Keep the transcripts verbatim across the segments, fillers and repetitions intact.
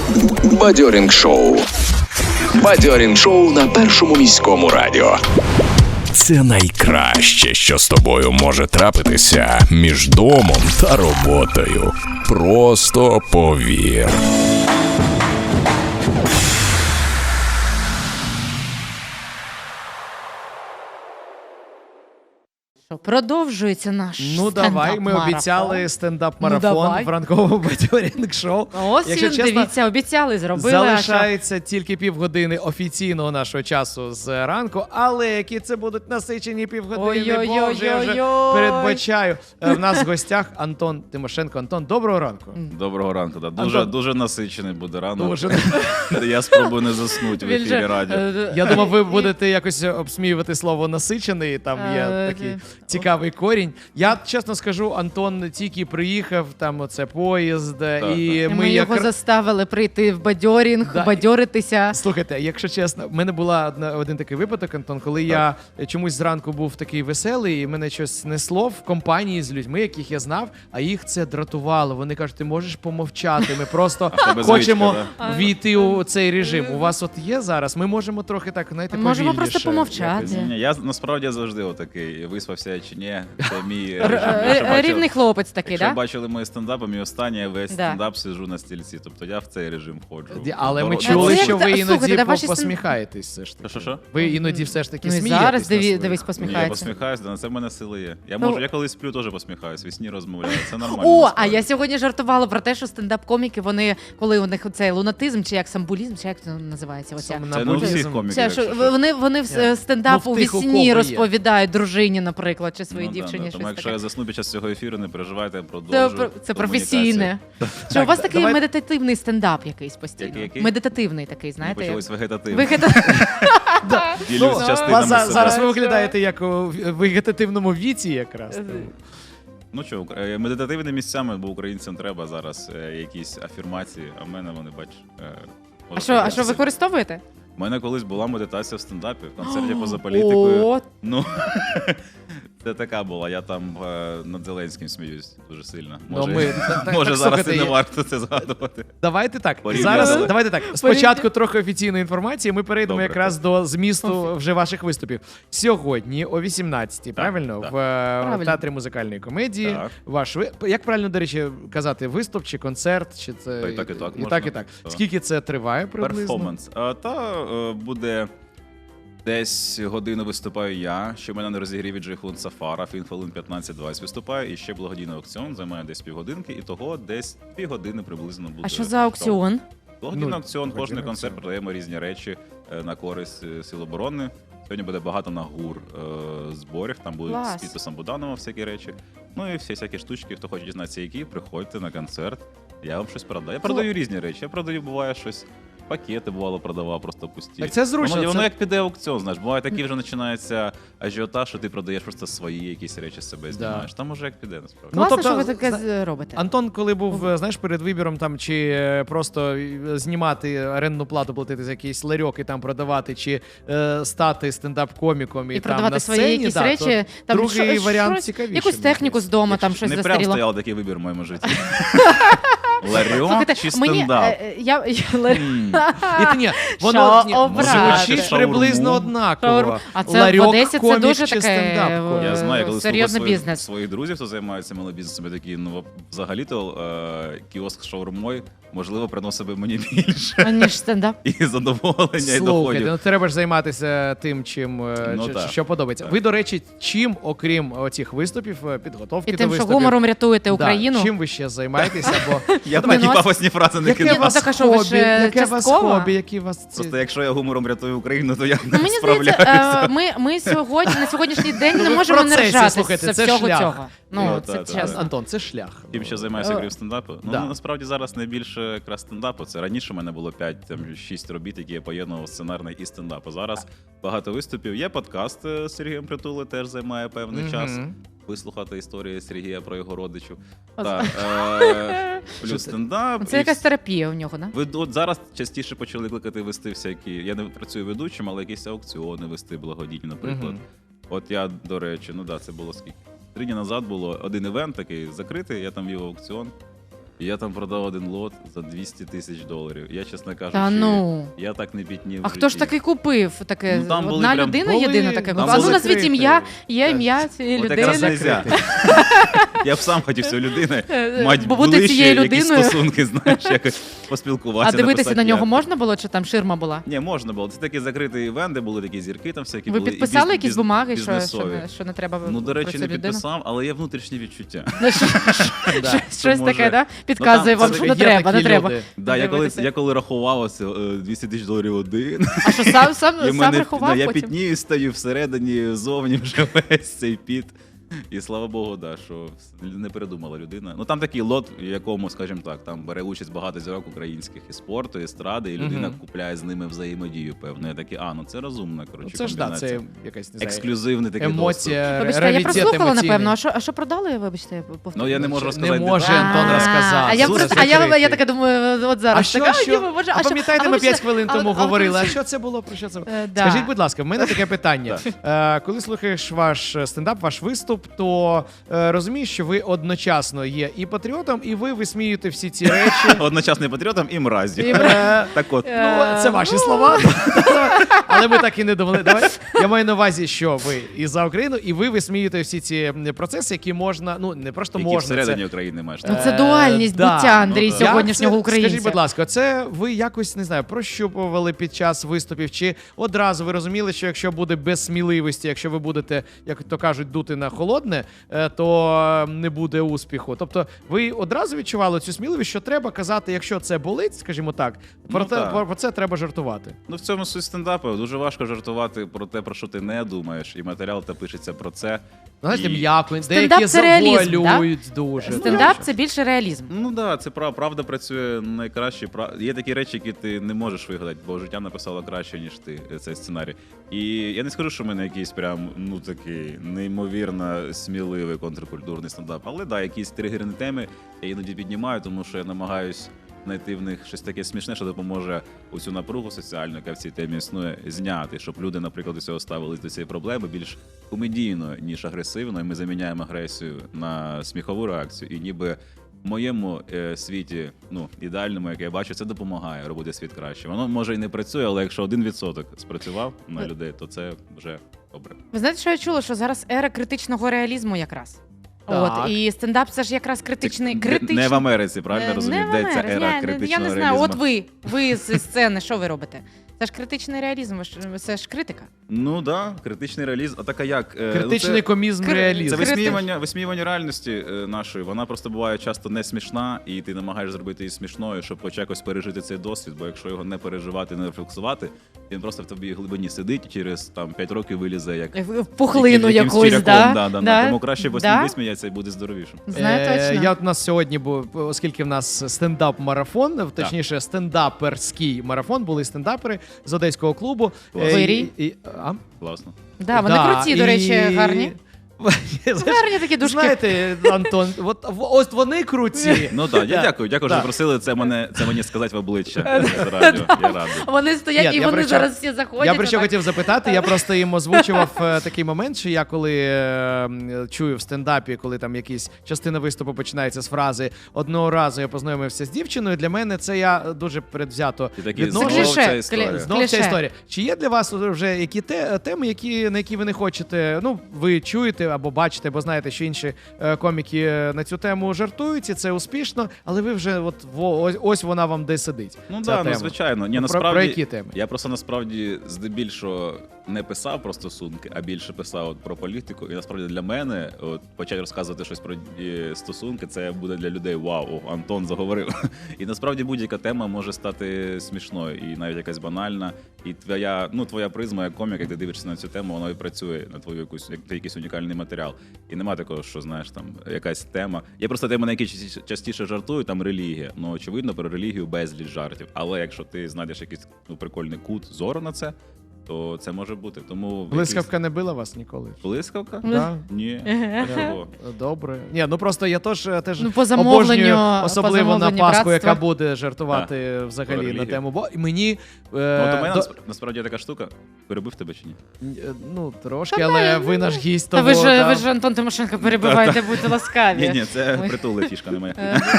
Бадьорінг шоу. Бадьорінг шоу на Першому міському радіо. Це найкраще, що з тобою може трапитися між домом та роботою. Просто повір. Продовжується наш Ну давай, ми обіцяли стендап-марафон ну, в ранковому бадьорінг-шоу. Ось він, чесно, дивіться, обіцяли, зробили. Залишається що... тільки півгодини офіційного нашого часу з ранку, але які це будуть насичені півгодини, боже, я вже передбачаю. В нас в гостях Антон Тимошенко. Антон, доброго ранку. Доброго ранку, да. Дуже, Антон... дуже насичений буде ранок. Дуже... Я спробую не заснути в ефірі радіо. Я думав, ви будете якось обсміювати слово «насичений», там є такий... цікавий корінь. Я чесно скажу, Антон тільки приїхав, там оце поїзд, так, і так. ми, ми його як... заставили прийти в бадьорінг, да. бадьоритися. Слухайте, якщо чесно, в мене була одна, один такий випадок, Антон, коли так. я чомусь зранку був такий веселий, і мене щось несло в компанії з людьми, яких я знав, а їх це дратувало. Вони кажуть, ти можеш помовчати, ми просто хочемо звичка, війти у цей режим. У вас от є зараз? Ми можемо трохи так, знаєте, повільніше. Можемо просто помовчати. Ні, я насправді завжди отакий, виспався чи ні, це мій режим. Рівний хлопець такий, так? Якщо бачили мої стендапи, мій останній весь стендап сиджу на стільці, тобто я в цей режим ходжу. Але ми чули, що ви іноді посміхаєтесь все ж таки. Що-що? Ви іноді все ж таки ну, смієтесь. Зараз дивись, посміхається. Я посміхаюсь, на це в мене сили є. Я можу, я коли сплю, теж посміхаюсь, вісні розмовляю, це нормально. О, а я сьогодні жартувала про те, що стендап-коміки, вони, коли у них цей лунатизм, чи як самбулізм, чи як це називається? Це не у всіх коміків. Вони, вони в стендап у вісні розповідають дружині, наприклад, чи своїй дівчині. Тому якщо я засну під час цього ефіру, не переживайте, продовжую. Це професійне. Що у вас такий медитативний стендап якийсь постійно? Медитативний такий, знаєте? Ви почались вегетативний. Вегетативний. Ділюсь частинами себе. Зараз ви виглядаєте як у вегетативному віці якраз. Ну що, медитативними місцями, бо українцям треба зараз якісь афірмації, а в мене вони, бач... А що, а що використовуєте? У мене колись була медитація в стендапі, в концерті поза політикою. Ну, це така була, я там е, над Зеленським сміюсь дуже сильно. Може, ну, ми, так, може так, зараз і не варто це згадувати. Давайте так, зараз, давайте так. Спочатку трохи офіційної інформації, ми перейдемо Добре, якраз так. до змісту вже ваших виступів. Сьогодні о вісімнадцятій, правильно? Так. В правильно. Театрі музикальної комедії. Так. Ваш, як правильно, до речі, казати, виступ чи концерт? Чи це... І так, і так. І так, і так. так. Скільки це триває приблизно? Перформанс. А, та е, буде... Десь годину виступаю я, ще в мене на розігріві Джейхун Сафара, він хвилин п'ятнадцять-двадцять виступає, і ще благодійний аукціон займає десь півгодинки, і того десь півгодини приблизно буде. А що за аукціон? Благодійний ну, аукціон, кожен концерт продаємо різні речі на користь Сил оборони. Сьогодні буде багато на ГУР е, зборів, там будуть Клас. з підписом Буданова всякі речі. Ну і всі всякі штучки, хто хоче дізнатися які, приходьте на концерт, я вам щось продаю. Я продаю різні речі, я продаю, буває щось. Пакети, бувало, продавав, просто пусті. Так це зручно. Воно, це... воно як піде аукціон, знаєш. Буває такий вже починається ажіотаж, що ти продаєш просто свої якісь речі з себе знімаєш. Да. Там уже як піде, насправді. Класно, ну, тобто, що ви таке зна... робите. Антон, коли був, знаєш, перед вибіром там, чи просто знімати орендну плату, платити за якийсь ларьок і там продавати, чи е, стати стендап-коміком і, і там продавати на сцені, свої якісь да, речі, там другий шо, варіант шо, цікавіший. Якусь техніку з дому, там щось застаріло. Не прям стояв такий вибір в моєму житті. Ларьок чи стендап? Я... І ні, воно звучить приблизно однаково. А це в Одесі це дуже таке Я знаю, коли серйозний бізнес. Своїх друзів, хто займається малобізнесом, такі, ну, взагалі-то кіоск з шаурмою, можливо, приносив би мені більше. Ніж стендап. І задоволення, і доходів. Слухайте, ну треба ж займатися тим, чим, ну, що, що подобається. Так. Ви, до речі, чим, окрім цих виступів, підготовки і до тим, виступів... що гумором рятуєте Україну. Да, чим ви ще займаєтеся? Бо... Я б такі пафосні фрази не кидав. Яке у вас хобі, які у вас... Просто якщо я гумором рятую Україну, то я ну, не мені справляюся. Здається, ми, ми сьогодні, на сьогоднішній день не можемо не ржатися з всього цього. Ну, ну, це та, чесно. та. Антон, це шлях. Тим, що займаюся крім стендапу. Ну, да. насправді зараз найбільше якраз стендапу. Це раніше в мене було п'ять-шість робіт, які я поєднував сценарний і стендап. А зараз багато виступів. Є подкаст з Сергієм Притули, теж займає певний mm-hmm. час. Вислухати історії Сергія про його родичів. Та, е, плюс стендап. Це якась терапія у нього, да? Ви от зараз частіше почали кликати вести всякі, я не працюю ведучим, але якісь аукціони вести благодійні, наприклад. Mm-hmm. От я, до речі, ну да, це було скільки? Три дні назад було один івент такий закритий, я там вів аукціон. І я там продав один лот за двісті тисяч доларів. Я, чесно кажучи, Та ну. я так не пітнів. А в хто ж житті. таки купив таке? Ну, там були Одна прям- людина були- єдина таке там купила. А ну були назвіть закриті. ім'я, є ім'я цієї От якраз людини. нельзя. Я б сам хотів цієї людини Е, мати бо бути ближче цією якісь людиною. стосунки, знаєш, якось А поспілкуватися. дивитися написати на нього як. можна було, чи там ширма була? Ні, можна було. Це такий закритий івент, де були такі зірки, там всякі Ви були. і підписали біз- якісь біз- бумаги, що, що, бізнесові. не, що не треба Ну, до про речі, цю не людину? підписав, але є внутрішні відчуття. Да. Щось може- таке, да? Підказує Ну, вам, там що це не Є треба, такі не треба. люди. Да, я коли, Дивитися. я коли рахував оце, е, двісті тисяч доларів один, А що сам, сам, і в сам мене, рахував да, я потім? пітнію стаю всередині, зовні вже весь цей піт. І слава Богу, да, що не передумала людина. Ну там такий лот, в якому, скажімо так, там бере участь багато зірок українських і спорту, і естради, і людина Мгм. купляє з ними взаємодію. Певно, я такий, а ну це розумна, коротше, Це ж да, комбінація. це якась не знаю, Ексклюзивний такий доступ. емоція, Вибачте, я раритет прослухала, емоційний. напевно. А що, а що продали, вибачте, я повторю? Ну я не можу Не розказати. може деталі. Антон А, розказати. А я, Це просто, а я, закритий. я така думаю, от зараз. А що, така, що? Діма, Боже, А що? пам'ятаєте, А ми вибачте, п'ять хвилин а- тому а- говорили, а а- що це було, про що це було? Е, да. Скажіть, будь ласка, в мене таке питання. Е, Коли слухаєш ваш стендап, ваш виступ, то е, розумієш, що ви одночасно є і патріотом, і ви висміюєте всі ці речі. Одночасно і патріотом, і мразі. І Е, Так от. Ну, це ваші слова. Але ми так і не довели. Давай. Я маю на увазі, що ви і за Україну, і ви висміюєте всі ці процеси, які можна, ну не просто Які можна. всередині це- України маєш. Ну так? це дуальність Е, да. буття, Андрій, Ну, да. сьогоднішнього Як це- українця. Скажіть, будь ласка, це ви якось не знаю, прощупували під час виступів, чи одразу ви розуміли, що якщо буде без сміливості, якщо ви будете, як то кажуть, дути на холодне, е, то не буде успіху. Тобто, ви одразу відчували цю сміливість, що треба казати, якщо це болить, скажімо так, про, Ну, те, так. про, про це треба жартувати. Ну, в цьому суть стендапу. Дуже важко жартувати про те, про що ти не думаєш, і матеріал та пишеться про це. Знаєте, І- м'яко, Стендап деякі це реалізм, завуалюють дуже. Стендап це більше реалізм. Ну так, да, це прав, правда працює найкраще. Прав... Є такі речі, які ти не можеш вигадати, бо життя написало краще, ніж ти е, цей сценарій. І я не скажу, що в мене якийсь прям ну такий неймовірно сміливий контркультурний стендап. Але да, якісь тригерні теми я іноді піднімаю, тому що я намагаюсь знайти в них щось таке смішне, що допоможе оцю напругу соціальну, яка в цій темі існує, зняти, щоб люди, наприклад, до цього ставились до цієї проблеми більш комедійно, ніж агресивно. І ми заміняємо агресію на сміхову реакцію. І ніби в моєму е, світі, ну, ідеальному, як я бачу, це допомагає робити світ краще. Воно може і не працює, але якщо один відсоток спрацював на людей, то це вже добре. Ви знаєте, що я чула? Що зараз ера критичного реалізму якраз. Так. От, і стендап це ж якраз критичний. Не- критичний. Не в Америці, правильно Е, розумію? не в Де ця Америці. ера Я не- критичного Я не знаю, реалізму? от ви, ви з сцени, що ви робите? Це ж критичний реалізм, ви ж- це ж критика. Ну так, да, критичний реалізм. А така як? Е, ну, Критичний це- комізм Кри- реалізм. Це Критич- висміювання, висміювання реальності е, нашої. Вона просто буває часто не смішна, і ти намагаєшся зробити її смішною, щоб хоч якось пережити цей досвід. Бо якщо його не переживати, не рефлексувати, він просто в тобі глибині сидить, і через там п'ять років вилізе як В пухлину яким- якимсь якусь, черв'яком, да? да, да, да. Тому краще Да? висміятися і буде здоровішим. Знаю Е, точно. Я от у нас сьогодні був, оскільки в нас стендап-марафон, точніше, стендаперський марафон, були стендапери з одеського клубу. Клас. Вирій. і- і- а? Класно. Да, вони Да, круті, до і- речі, гарні. Знаєш, Гарні такі дужки. Знаєте, Антон, от, в- ось вони круті. Ну так, я Да. дякую. Дякую, що Да. запросили це мене це мені сказати в обличчя з радіо. Я радий. Вони стоять Ні, і я вони про що- зараз всі заходять. Я про що отак. хотів запитати, я просто їм озвучував е, такий момент, що я коли е, м, чую в стендапі, коли там якась частина виступу починається з фрази «одного разу я познайомився з дівчиною», для мене це я дуже предвзято І такі відношу. Це знову кліше, ця історія. клі- Знову ця кліше. історія. Чи є для вас вже які те, теми, які, на які ви не хочете, ну, ви чуєте або бачите, або знаєте, що інші е, коміки е, на цю тему жартують, і це успішно, але ви вже от во, ось, ось вона вам де сидить. Ну ця так, ну тема. звичайно. Ні, Про- насправді, про які теми? Я просто насправді здебільшого не писав про стосунки, а більше писав от про політику. І насправді для мене от, почати розказувати щось про е, стосунки, це буде для людей вау, о, Антон заговорив. І насправді будь-яка тема може стати смішною і навіть якась банальна. І твоя, ну, твоя призма як комік, як ти дивишся на цю тему, вона і працює на твою якусь як якийсь унікальний матеріал. І нема такого, що знаєш, там якась тема. Є просто тема, на які частіше, частіше жартую, там релігія. Ну очевидно, про релігію безліч жартів. Але якщо ти знайдеш якийсь ну, прикольний кут зору на це, то це може бути. Тому Блискавка не била вас ніколи? Блискавка? Да? Ні. А чого? Добре. Ні, ну просто я теж, теж Ну, по замовленню- обожнюю, по особливо на замовленню Пасху, братства. яка буде жартувати взагалі на Релігія. тему. Бо мені... Ну, Е, от у мене до- насп- насправді є така штука. Перебив тебе чи ні? е, ну, трошки, але ви наш гість, Та тому... ви ж, да. ви ж Антон Тимошенко перебивайте, будьте ласкаві. Ні, ні, це Ой. притула фішка, не моя.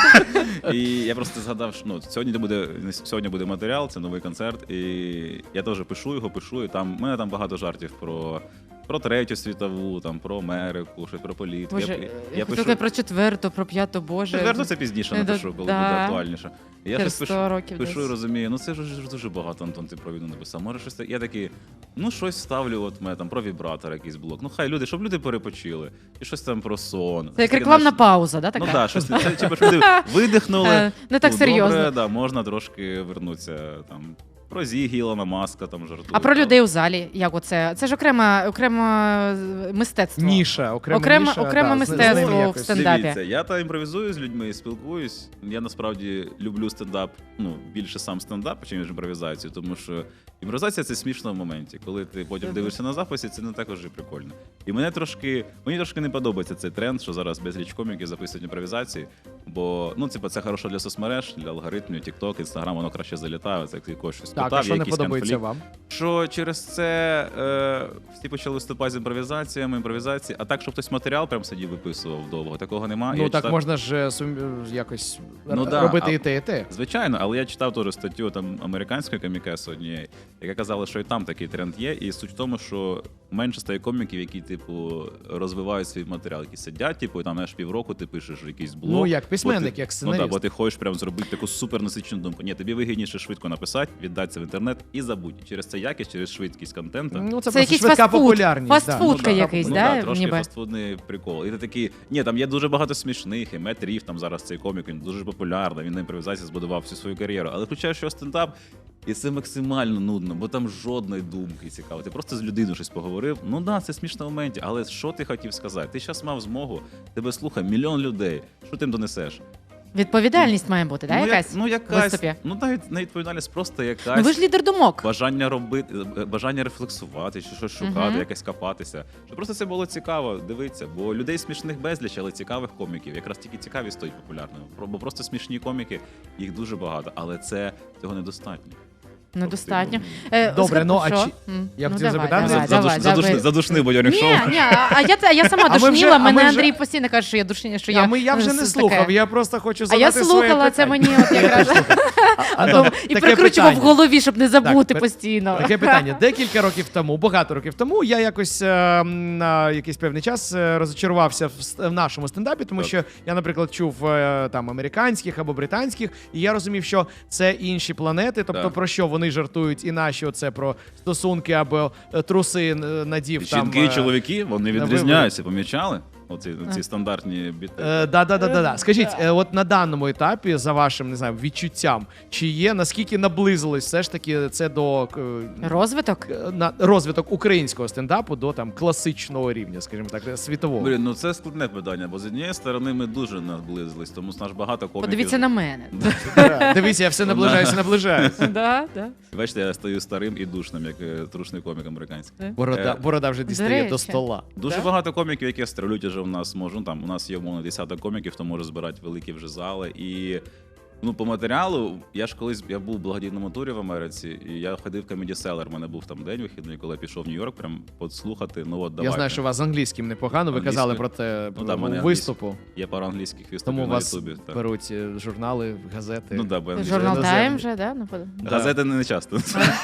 І я просто згадав, що ну, сьогодні буде, сьогодні буде матеріал, це новий концерт, і я теж пишу його, пишу, і там, у мене там багато жартів про, про Третю світову, там, про Америку, щось про політику. Боже, я, я, я хотіла про четверту, про п'яту, боже. Четверту це пізніше Е, напишу, коли да. буде актуальніше. І я Через щось сто пишу, років пишу десь. і розумію, ну це ж ж дуже багато, Антон, ти про війну написав. Може щось таке. Я такий, ну щось ставлю, от мене там про вібратор якийсь блок. Ну хай люди, щоб люди перепочили. І щось там про сон. Це як Таке, рекламна знаєш, пауза, да, така? Ну так, да, щось це, типу, щоб люди видихнули. Е, не так ну, серйозно. Добре, да, можна трошки вернутися там. Про Зігі, Ілона Маска там жартують. А про там. людей у залі, як оце? Це ж окреме, окреме мистецтво. Ніша, окрема Окреме- ніша. окреме да, з- з мистецтво ними в якось. стендапі. Дивіться, я та імпровізую з людьми, спілкуюсь. Я насправді люблю стендап, ну, більше сам стендап, чим імпровізацію, тому що імпровізація це смішно в моменті. Коли ти потім Мгм. дивишся на записі, це не також і прикольно. І мене трошки, мені трошки не подобається цей тренд, що зараз безліч коміків записують імпровізації, бо ну, типу, це хорошо для соцмереж, для алгоритмів, TikTok, Instagram, воно краще залітає, це якось щось Так, питав, а що є не якийсь подобається конфлікт. вам? Що через це е, всі почали виступати з імпровізаціями, імпровізації, а так, щоб хтось матеріал прям сидів виписував довго, такого немає. Ну Я так читав- можна ж е, сум- якось Ну, р- да, робити а- і те, і те. Звичайно, але я читав теж статтю там американської комікеси однієї, яка казала, що і там такий тренд є. І суть в тому, що менше стає коміків, які, типу, розвивають свій матеріал, які сидять, типу, і там знаєш, півроку ти пишеш якийсь блог. Ну, як бо письменник, ти- як Ну сценаріст. так, бо ти хочеш прям зробити таку супернасичену думку. Ні, тобі вигідніше швидко написати, віддати це в інтернет і забудь. Через це якість, через швидкість контенту. Ну, це, Це просто якийсь швидка фастфуд. популярність. Фастфуд. да. Футка якийсь, ну, да, да, трошки ніби? фастфудний прикол. І ти такий, ні, там є дуже багато смішних, і Мет Ріф, там зараз цей комік, він дуже популярний, він на імпровізації збудував всю свою кар'єру. Але включаєш його стендап, і це максимально нудно, бо там жодної думки цікавої. Ти просто з людиною щось поговорив. Ну да, це смішно в моменті, але що ти хотів сказати? Ти зараз мав змогу, тебе слухає мільйон людей. Що ти їм донесеш? Відповідальність має бути, да, ну, якась? як, ну в якась, виступі? ну навіть не відповідальність, просто якась. Ну ви ж лідер думок. Бажання робити, е, бажання рефлексувати, чи щось шукати, Мгм. якось копатися. Щоб просто це було цікаво дивитися. Бо людей смішних безліч, але цікавих коміків. Якраз тільки цікаві стають популярними. Про- Бо просто смішні коміки, їх дуже багато, але це цього недостатньо. Недостатньо. Тобто, Е, Добре, згад- ну, а що? чи- М, я ну, хотів давай, запитати, давай, за- давай, давай. Задушний бодьорник шоу. Ні, ні, а а я, а я сама А ми вже- душніла, а ми мене вже- Андрій постійно каже, що я душніла, що А я... ми, я вже не таке. слухав, я просто хочу А задати я своє слухала, це питання. мені от якраз Антон, і таке прикручував в питання. голові, щоб не забути пер- постійно. Таке питання. Декілька років тому, багато років тому, я якось е, на якийсь певний час е, розчарувався в, ст- в нашому стендапі, тому Так. що я, наприклад, чув е, там американських або британських, і я розумів, що це інші планети, тобто Так. про що вони жартують, і наші оце про стосунки або е, труси е, надів там. Жінки і е, чоловіки, вони на відрізняються, помічали? Оці ці стандартні біти. Е, да, да, да, да, да. Скажіть, е, от на даному етапі, за вашим не знаю, відчуттям, чи є наскільки наблизилось все ж таки це до е, Розвиток? е, на розвиток українського стендапу до там класичного рівня, скажімо так, світового? Блін, ну це складне питання, бо з однієї сторони ми дуже наблизились, тому наш багато коміків. Подивіться на мене. Да, дивіться, я все наближаюся, наближаюся. Да, да. Бачите, я стаю старим і душним, як е, трушний комік американський. Борода, Е, борода вже дістає речі. до стола. Дуже Да? багато коміків, які стрелють уже в нас можуть. Ну, там у нас є умовно десяток коміків, хто може збирати великі вже зали. І ну, по матеріалу, я ж колись я був в благодійному турі в Америці, і я ходив в Comedy Cellar. У мене був там день вихідний, коли я пішов в Нью-Йорк, прям послухати. Ну от Я давайте. знаю, що у вас з англійським непогано, ви Англійською. казали про це Ну, да, в у мене виступу. Є пару англійських Тому виступів на вас Ютубі. так. беруть е, журнали, газети. Ну да, бо англійська- Журнал іноземні. Тайм вже, да? Ну, под- Да. Газети не часто.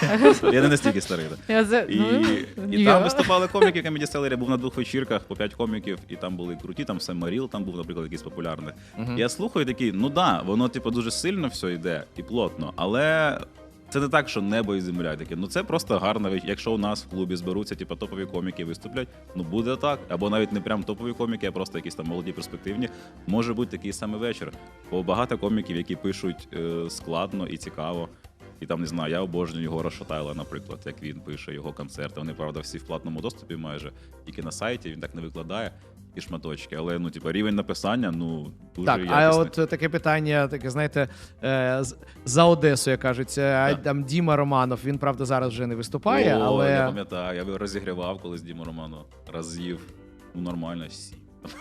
Я не настільки старий. так. Я за- І, ну, і я. там виступали коміки Comedy Cellar. Я був на двох вечірках по п'ять коміків, і там були круті, там Сем Маріл, там був, наприклад, якийсь популярний. Мгм. Я слухаю і такий, ну да, воно типу дуже сильно все йде і плотно, але це не так, що небо і земля таке. Ну це просто гарна річ. Якщо у нас в клубі зберуться, типу, топові коміки виступлять, ну буде так. Або навіть не прям топові коміки, а просто якісь там молоді перспективні. Може бути такий самий вечір. Бо багато коміків, які пишуть е, складно і цікаво. І там, не знаю, я обожнюю Єгора Шатайла, наприклад, як він пише його концерти. Вони, правда, всі в платному доступі майже, тільки на сайті, він так не викладає. і шматочки. Але ну, типу, рівень написання, ну, дуже Так, якісний. а от таке питання, таке, знаєте, е, з- за Одесу, як кажуть, це Так. там Діма Романов, він, правда, зараз вже не виступає, О, але... я пам'ятаю, я розігрівав колись Діму Роману. Разів, ну, нормально, сім.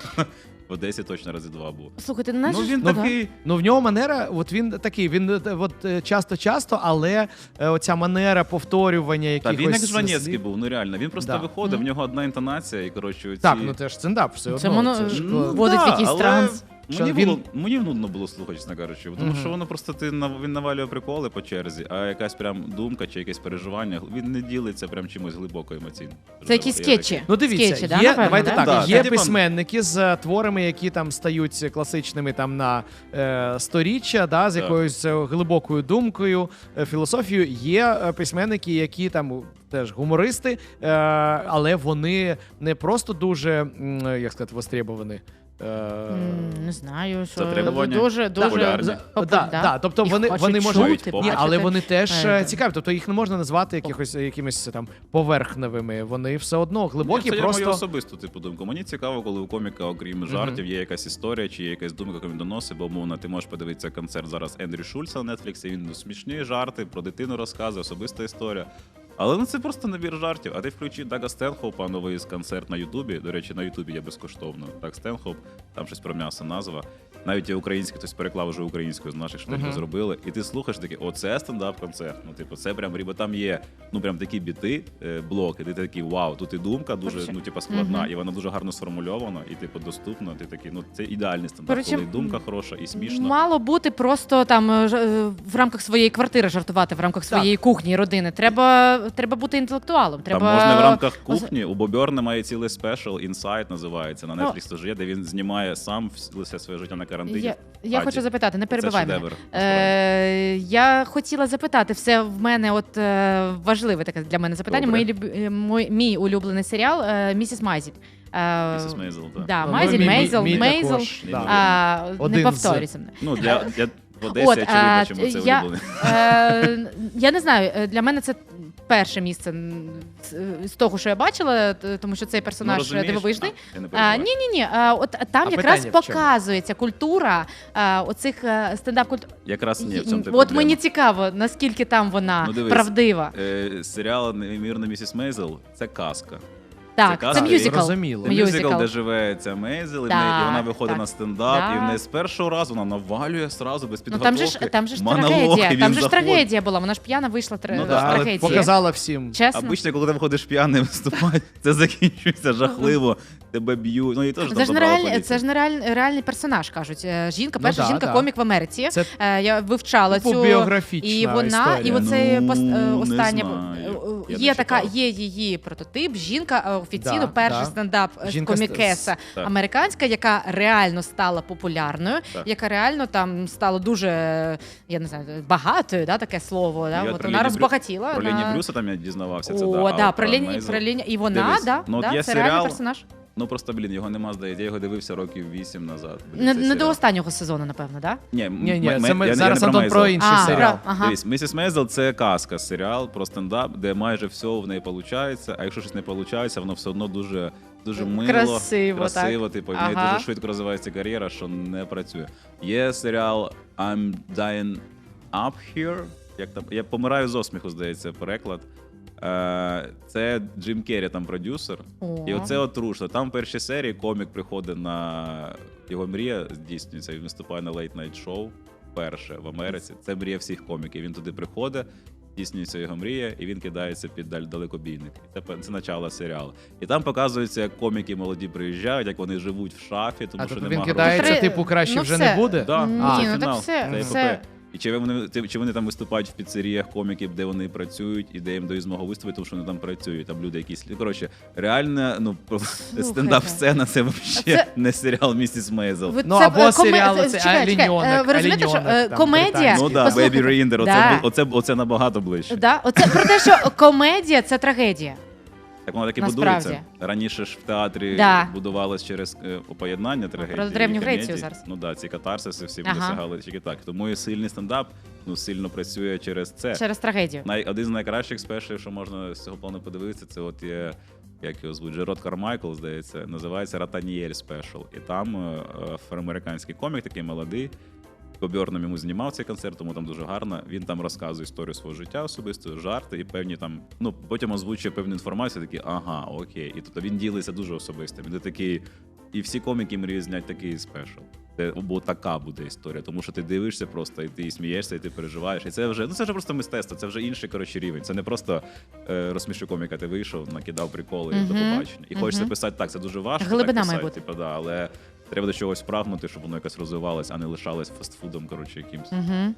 В Одесі точно рази два був. Слухайте, ну, Ну, ж- він да. такий... Ну, в нього манера, от він такий, він е, от е, часто-часто, але е, оця манера повторювання Та якихось... він як Жванецький слів. був, ну реально. Він просто Да. виходив, в Мгм. нього одна інтонація, і, коротше, оці... Так, ну це ж стендап все одно. Це воно- ж, Ну, е, вводить в якийсь але транс. Що Мені, він- було, мені нудно було слухати, чесно кажучи, тому Мгм. що воно просто ти нав- він навалює приколи по черзі, а якась прям думка чи якесь переживання, він не ділиться прям чимось глибоко емоційно. Це якісь Я скетчі. такий, Ну дивіться, Скетчі, да, є, напевно, давайте да? так, Да, є це, типа- письменники з е, творами, які там стають класичними там на е, сторіччя, да, з Так. якоюсь е, глибокою думкою, е, філософією. Є е, письменники, які там теж гумористи, е, але вони не просто дуже, м, як сказати, востребовані. Е, М, Не знаю, що Затребування дуже, дуже популярні. за- попу- да, да, тобто Їх вони, хочуть вони чути, можуть, ні, бачити. але вони теж Е, е, цікаві. Тобто їх не можна назвати якихось якимись там поверхневими. Вони все одно глибокі, Ні, це просто я мою особисту типу думку. Мені цікаво, коли у коміка, окрім жартів, є якась історія чи є якась думка, яку він доносить, бо умовно ти можеш подивитися концерт зараз Ендрю Шульца на Нетфліксі, він ну, смішні жарти, про дитину розказує, особиста історія. Але ну це просто набір жартів. А ти включи Дага Стенхоупа, новий концерт на Ютубі. До речі, на Ютубі є безкоштовно. Даг Стенхоуп, там щось про м'ясо назва. Навіть і український, хтось переклав вже українською з наших штатів Мгм. зробили. І ти слухаєш такий, оце стендап-концерт. Ну, типу, це прям, бо там є ну прям такі біти, е, блоки. Ти такий, вау, тут і думка дуже Короче, ну, типу, складна, мгм. і вона дуже гарно сформульована, і типу доступна. Ти такий, ну це ідеальний стендап, Короче, коли і думка хороша, і смішно. Мало бути просто там е, ж- е, в рамках своєї квартири жартувати, в рамках своєї кухні і родини. Треба, треба бути інтелектуалом. Треба... Там можна в рамках кухні. У Бобьорна має цілий спешл, Inside називається. На Ну, Netflix теж є, де він знімає сам вс- все своє життя на карантині. Я, я Хаті. хочу запитати, не Це перебивай мене. шедевр. Е, я хотіла запитати, все в мене от е, важливе таке для мене запитання. Добре. Мій, люб- е, мой, мій улюблений серіал е, «Місіс Майзель». Е, Місіс Мейзел, так. Да, Ну, Майзель, мій- мій- Мейзел, мій Мейзел. також, да. А, Один не з- повторюйся мене. Ну, для, для в Одесі От, очевидно, а, чому це я- улюблений. Е, я не знаю, е, для мене це перше місце м, з- з того, що я бачила, т- тому що цей Ну, персонаж розумієш? дивовижний. А, я не А, перебиваю. ні, ні, ні. От там А якраз питання в чому? показується культура а, оцих е, стендап культур. Якраз ні, в цьому ти От проблема. мені цікаво, наскільки там вона Ну, дивись. правдива. Е, серіал «Неймовірна місіс Мейзел» — це казка. Так, це, казка, мюзикл. зрозуміло. Це Мюзикл. мюзикл, де живе ця Мейзел, і, в Так, неї- і вона виходить так. на стендап, Да. і в неї з першого разу вона навалює сразу, без Ну підготовки. там же ж там же ж монолог, і трагедія. він Там же ж заходить. трагедія була. Вона ж п'яна вийшла тр... Ну з да, але трагедії. показала всім. Чесно. Обично, коли ти виходиш п'яним виступати, це закінчується жахливо, тебе б'ють. Ну і теж там Це ж, забрала нереальний, поліція. це ж нереальний реальний персонаж, кажуть. Е, Жінка, Ну перша да, жінка да. комік в Америці. Це Е, Я вивчала типу цю біографічна і вона, історія. і оце Ну, пос- е, не останнє знаю. е, Я є не така, читав. є її прототип. Жінка е, офіційно Да, перший да. стендап е, Жінка з- комікеса Так. американська, яка реально стала популярною, Так. яка реально там стала дуже, я не знаю, багатою, да, таке слово. Да? Я От про вона Лені Брю- розбагатіла. Про на- Лені Брюса там я дізнавався. Це, О, да, да, а про от Лені, Мейзел- про Лені, і вона, Дивись, да, ну, от да, є це реальний серіал, персонаж. Ну просто, блін, його нема, здається. Я його дивився років вісім назад. Блін, Не, цей не до серіал. останнього сезону, напевно, да? Ні, Ні, ні, м- це м- ми я не- зараз я не про Антон про Мейзел. інший А, серіал. про- ага. Дивись, місіс Мейзел — це казка, серіал про стендап, де майже все в неї виходить, а якщо щось не виходить, воно все одно дуже, дуже мило, Красиво, красиво так. типу, в неї Ага. дуже швидко розвивається кар'єра, що не працює. Є серіал I'm Dying Up Here, як там, я помираю з осміху, здається, переклад. Е, Це Джим Керрі там продюсер. О. І оце от трушно. Там в першій серії комік приходить на його мрія, здійснюється, він виступає на Late Night Show вперше в Америці. Це мрія всіх коміків. Він туди приходить, здійснюється його мрія, і він кидається під даль- далекобійник. Це, пе- це начало серіалу. І там показується, як коміки молоді приїжджають, як вони живуть в шафі, тому А що тобто нема він грошей. кидається, Три- типу, краще ну, вже все. не буде? Да. Ні, А, ну так фінал. все, Це все. епопея. І чи вони, ти- чи вони там виступають в піцеріях коміків, де вони працюють, і де їм дають змогу виступити, тому що вони там працюють, там люди якісь. Коротше, реально, ну, стендап-сцена — це взагалі Це- не серіал «Місіс Мейзел». Ви- Ну, це, або е, коме- серіали, е, це чекай, чекай, «Аліньонок», е, Ви розумієте, що е, «Аліньонок», там, комедія... британський. Ну так, послухайте, Бейбі Ріндер, оце, да, бу- оце, оце набагато ближче. да, оце про те, що комедія — це трагедія. Так воно так і Насправді. будується. Раніше ж в театрі Да. будувалось через е, поєднання трагедії. Про Древню і комедії. Грецію зараз. Ну так, ці катарсиси всі Ага. досягали тільки так. Тому і сильний стендап ну, сильно працює через це. Через трагедію. Най, один з найкращих спешів, що можна з цього плану подивитися, це от є як його звуть, Джерод Кармайкл, здається, називається «Ратаніель Спешл». І там е, афроамериканський комік, такий молодий, Бьорном йому знімав цей концерт, тому там дуже гарно. Він там розказує історію свого життя особисто, жарти і певні там, ну, потім озвучує певну інформацію, такі, ага, окей. І тобто він ділиться дуже особистим. Він такий, і всі коміки мріють зняти такий спешл. Це, бо така буде історія, тому що ти дивишся просто, і ти і смієшся, і ти переживаєш. І це вже, ну це вже просто мистецтво, це вже інший, коротше, рівень. Це не просто е, розсміши коміка, ти вийшов, накидав приколи і Мгм. до побачення. І Мгм. хочеться писати так, це дуже важко. Глибина так має писати, бути. типу, да, але треба до чогось прагнути, щоб воно якось розвивалось, а не лишалось фастфудом, коротше, якимсь. Угу.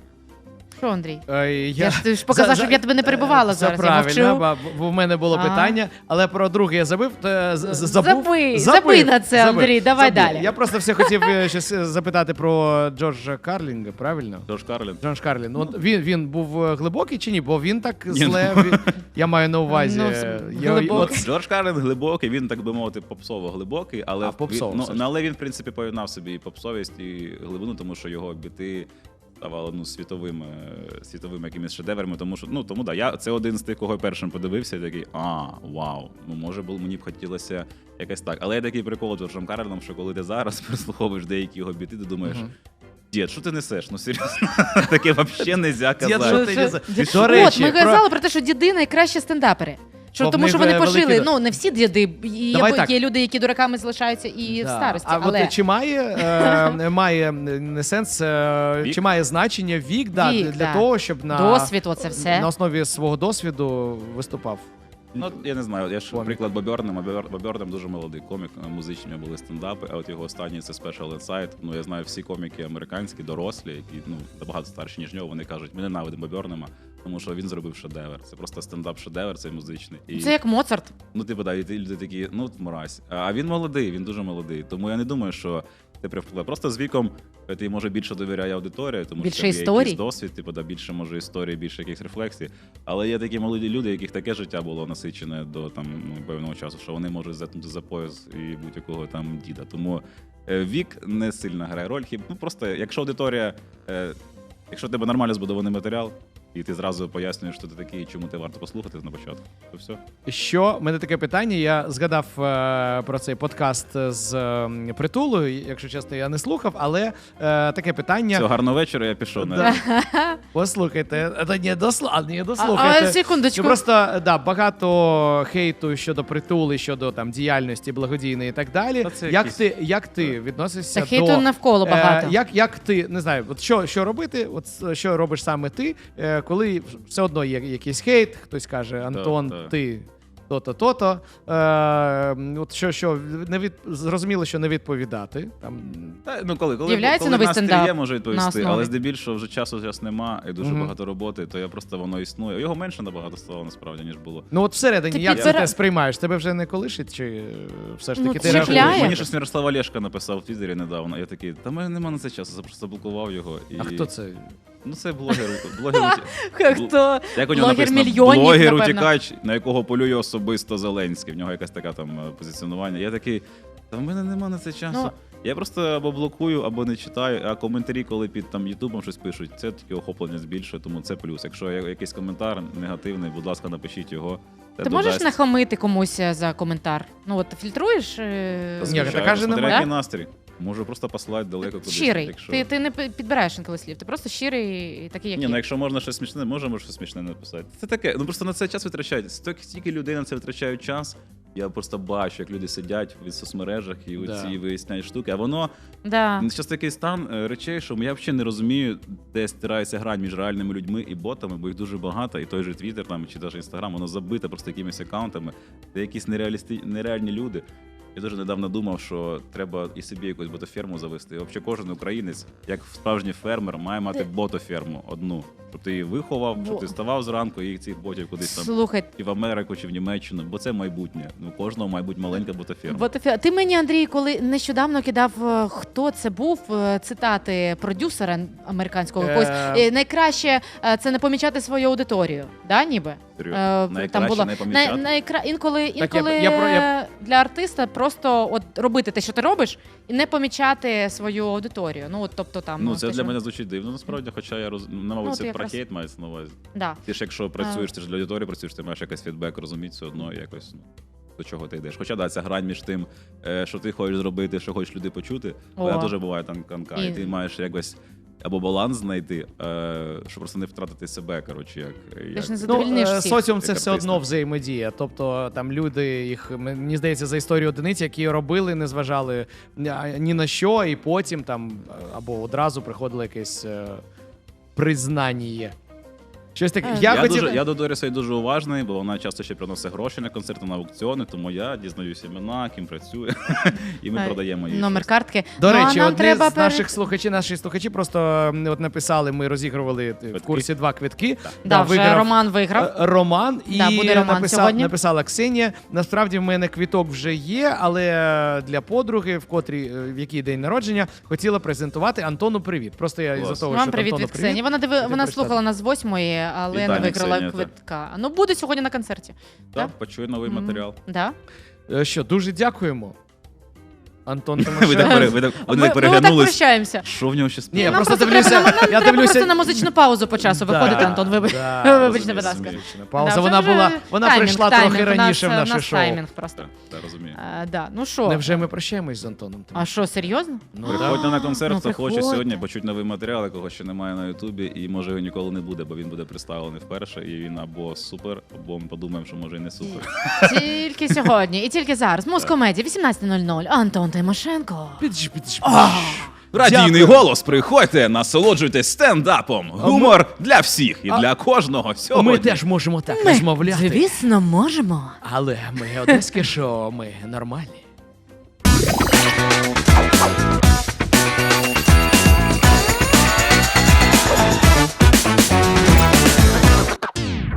Що, Андрій? Е, Я ж- ти ж показав, за- щоб я тебе не перебивала Це зараз, я правильно, мовчу. ба- бо в мене було А. питання, але про друге я забив. то, з- з- забув. Забий, забий на це, Андрій, давай далі. Я просто все хотів е, щось е, запитати про Джорджа Карлінга, правильно? Джордж Карлін. Джордж Карлін. От він, він був е, глибокий чи ні? Бо він так Ні, зле. Він, я маю на увазі. Ну, е, з- я- глибокий. от- Джордж Карлін глибокий, він, так би мовити, попсово глибокий, але, А, попсово він, ну, все ж. але він, в принципі, поєднав собі і попсовість, і глибину, тому що його біти ставали ну, світовими, світовими якимись шедеврами, тому що, ну, тому да, я, це один з тих, кого я першим подивився, і такий, а, вау, ну, може, було, мені б хотілося якось так. Але є такий прикол з Джорджем Карліном, що коли ти зараз прислуховуєш деякі його біти, ти думаєш, Мгм. дід, що ти несеш? Ну, серйозно, таке взагалі не можна Дід, що казати. ти Що- несе? Дід- До От, речі, ми про- казали про те, що діди найкращі стендапери. Що, Бо в тому них що вони великі пошили, до- ну не всі діди, є, Давай бо- так. є люди, які дураками залишаються і в Да. старості. А але от чи має, е, має не сенс, е, Вік? чи має значення вік, да, Вік, для да. того, щоб на, досвід, оце все. на основі свого досвіду виступав? Ну, я не знаю, я ж Комік. приклад Бобернем, Бобернем дуже молодий комік, музичні у нього були стендапи, а от його останній це Special Insight. Ну, я знаю всі коміки американські, дорослі, які ну, набагато старші, ніж нього, вони кажуть, ми ненавидимо Бобернема, тому що він зробив шедевр. Це просто стендап-шедевр, цей музичний. І, Це як Моцарт. ну, типу, да, і ти- люди такі, ну, мразь. А він молодий, він дуже молодий, тому я не думаю, що це привпливе. Просто з віком ти, може, більше довіряє аудиторії, тому Більше що є історій. якийсь досвід, типу, да, більше, може, історії, більше якихось рефлексій. Але є такі молоді люди, яких таке життя було насичене до там ну, певного часу, що вони можуть затнути за пояс і будь-якого там діда. Тому е, вік не сильно грає роль. Хіб, ну просто, якщо аудиторія, е, якщо в тебе нормально збудований матеріал, і ти зразу пояснюєш, що ти такий, і чому ти варто послухати на початку, то все. Що, в мене таке питання, я згадав е, про цей подкаст з е, Притулою, якщо чесно, я не слухав, але е, таке питання. Все, гарного вечора, я пішов. Да. на Послухайте, це не досла, не А, дослухайте. а, секундочку. Ну, просто да, багато хейту щодо притули, щодо там діяльності благодійної і так далі. Та це Як якісь- ти, як ти відносишся Та хейту до навколо багато. Е, як, як ти не знаю, от що, що робити? От с- що робиш саме ти, е, коли все одно є якийсь хейт, хтось каже, Антон, так. ти. То-то, то-то. Е, от що, що не від... зрозуміло, що не відповідати. Там Та, ну, коли, коли, З'являється коли новий настрій стендап є, можу на відповісти, основі. але здебільшого вже часу зараз нема і дуже Мгм. багато роботи, то я просто воно існує. Його менше набагато стало насправді, ніж було. ну от всередині, Ти як підбира- ти те сприймаєш? Тебе вже не колишить, чи е, все ж Ну, таки ти чіпляє. реагуєш? Мені щось Мирослав Олешка написав в Твіттері недавно. Я такий, та мене нема на це часу, я просто заблокував його. І... А хто це? Ну це блогер. блогер уті- Хто? Як у нього Блогер написано? мільйонів, Блогер напевно. утікач, на якого полює особисто Зеленський. В нього якась така там е, позиціонування. Я такий, та в мене нема на це часу. Ну, Я просто або блокую, або не читаю, а коментарі, коли під там Ютубом щось пишуть, це тільки охоплення збільшує, тому це плюс. Якщо є якийсь коментар негативний, будь ласка, напишіть його. Це Ти можеш додасть. нахамити комусь за коментар? Ну от ти фільтруєш? е, Ні, Звичайно, така ж смотря немає. який настрій. Можу просто послати далеко кудись. Щирий. Якщо... Ти, ти не пи- підбираєш інколи слів, ти просто щирий і такий, як Ні, є. ну якщо можна щось смішне, можемо щось смішне написати. Це таке. Ну просто на це час витрачають. Стільки стільки людей на це витрачають час. Я просто бачу, як люди сидять в соцмережах і Да. оці виясняють штуки. А воно Да. зараз такий стан е, речей, що я взагалі не розумію, де стирається грань між реальними людьми і ботами, бо їх дуже багато. І той же Твіттер там чи навіть Інстаграм, воно забите просто якимись аккаунтами, де якісь нереалісти... нереальні люди. Я дуже недавно думав, що треба і собі якусь ботоферму завести. І взагалі кожен українець, як справжній фермер, має мати ботоферму одну. Щоб ти її виховав, щоб ти ставав зранку і цих ботів кудись там Слухай, і в Америку, чи в Німеччину, бо це майбутнє. Ну, кожного має бути маленька ботоферма. Бо ти, ти мені, Андрій, коли нещодавно кидав, е, хто це був, е, цитати продюсера американського якогось. Е. Е, Найкраще е, це не помічати свою аудиторію, да, ніби? Серйозно. Е, Найкраще не помічати? най- найкра... інколи, я- інколи я про- я- е, для артиста просто от робити те, що ти робиш, і не помічати свою аудиторію. Ну, от, тобто там Ну, те, це для що- мене звучить дивно, насправді, хоча я роз... ну, мабуть, Ну, це ти про якраз- хейт мається на увазі. Да. Ти ж якщо працюєш, ти ж для аудиторії працюєш, ти маєш якийсь фідбек розуміти все одно і якось. Ну. до чого ти йдеш. Хоча да, ця грань між тим, е, що ти хочеш зробити, що хочеш люди почути, О. вона теж буває там канка, і... І- і ти маєш якось або баланс знайти, е, щоб просто не втратити себе, коротше, як, Ти як... ж не Ну, задовільниш е, всіх. соціум це Як все артиста. одно взаємодія. Тобто там люди, їх мені здається, за історію одиниць, які робили, не зважали ні на що, і потім там або одразу приходило якесь е, признання. Щось таке. Е, Я, Я, хотів... дуже, я до Доріса дуже уважний, бо вона часто ще приносить гроші на концерти, на аукціони, тому я дізнаюся імена, ким працює, і ми Е, продаємо її. Номер щось. картки. До Ну, а речі, нам одні треба з пере- наших слухачів, наші слухачі просто м, от написали, ми розігрували е, в Квитки. курсі два квитки. Да, вже виграв, Роман виграв. е, Роман і Да, буде Роман написав, сьогодні. написала Ксенія. Насправді в мене квіток вже є, але для подруги, в котрій е, в якій день народження, хотіла презентувати Антону привіт. Просто я Клас. із-за того, Вам що привіт Антону від Ксенії. Вона диви... Хотів вона прочитати. слухала нас з восьмої, але Вітання, не виграла Ксенія, так. квитка. Ну буде сьогодні на концерті. Так, почує новий Мгм. матеріал. Да? Е, Що, дуже дякуємо. Антон Ви так, Тимошенко. пере- ви так, Ми, вони так ми отак переглянулись. прощаємося. Що в нього ще Ні, співає? я Нам просто треба дивлюся- на- нам я треба дивлюся- просто на музичну паузу по часу Да, виходити, Антон. Вибач. да, Вибачте, розумію, будь ласка. розумію. Пауза, Да, вона вже була, вже вона таймінг, прийшла таймінг. трохи У нас, раніше в е, у наше нас шоу. таймінг просто. Так, так, розумію. Е, да. Ну що? Невже ми прощаємось з Антоном? А що, серйозно? Ну, Приходьте на концерт, Ну, хто хоче приходьте. сьогодні почути новий матеріал, якого ще немає на Ютубі, і може його ніколи не буде, бо він буде представлений вперше, і він або супер, або ми подумаємо, що може і не супер. Тільки сьогодні і тільки зараз. Музкомедія, вісімнадцята нуль нуль. Антон Тимошенко. Підж, підж, Радійний Дякую. голос, приходьте, насолоджуйтесь стендапом. Гумор для всіх і А- для кожного сьогодні. Ми теж можемо так розмовляти. Звісно, можемо. Але ми одеське шоу, ми нормальні.